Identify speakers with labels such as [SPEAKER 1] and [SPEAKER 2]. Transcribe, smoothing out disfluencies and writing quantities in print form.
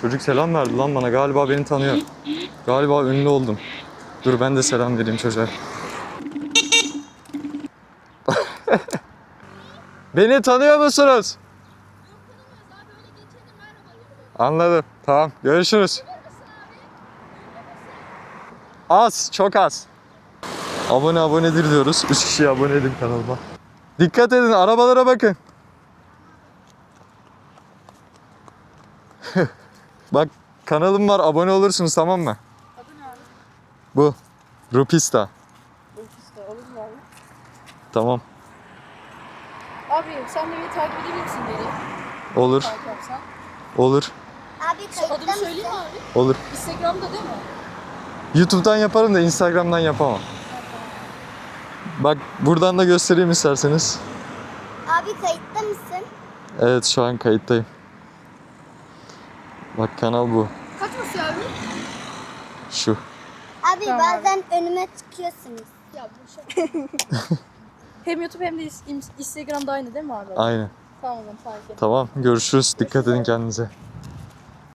[SPEAKER 1] Çocuk selam verdi lan bana. Galiba beni tanıyor. Galiba ünlü oldum. Dur ben de selam vereyim çocuğa. Beni tanıyor musunuz? Anladım. Tamam. Görüşürüz. Az. Çok az. Abonedir diyoruz. 3 kişiye abone edin kanalıma. Dikkat edin. Arabalara bakın. Bak kanalım var. Abone olursunuz tamam mı?
[SPEAKER 2] Adı ne abi?
[SPEAKER 1] Bu. Rupista.
[SPEAKER 2] Ofiste olur mu abi?
[SPEAKER 1] Tamam.
[SPEAKER 2] Abi sen de beni takip edebilir misin geri?
[SPEAKER 1] Olur.
[SPEAKER 2] Takip yapsan.
[SPEAKER 1] Olur.
[SPEAKER 3] Abi kayıtta
[SPEAKER 2] Adımı
[SPEAKER 3] mısın?
[SPEAKER 2] söyleyeyim mi abi?
[SPEAKER 1] Olur.
[SPEAKER 2] Instagram'da değil mi?
[SPEAKER 1] YouTube'dan yaparım da Instagram'dan yapamam. Bak buradan da göstereyim isterseniz.
[SPEAKER 3] Abi kayıtta mısın?
[SPEAKER 1] Evet şu an kayıttayım. Bak kanal bu.
[SPEAKER 2] Kaç basıyor abi?
[SPEAKER 1] Şu.
[SPEAKER 3] Abi
[SPEAKER 2] Tamam
[SPEAKER 3] bazen önüme çıkıyorsunuz.
[SPEAKER 2] Ya bu şey. Hem YouTube hem de Instagram'da aynı değil mi abi?
[SPEAKER 1] Aynen.
[SPEAKER 2] Tamam o zaman takip et.
[SPEAKER 1] Tamam görüşürüz. Dikkat edin kendinize.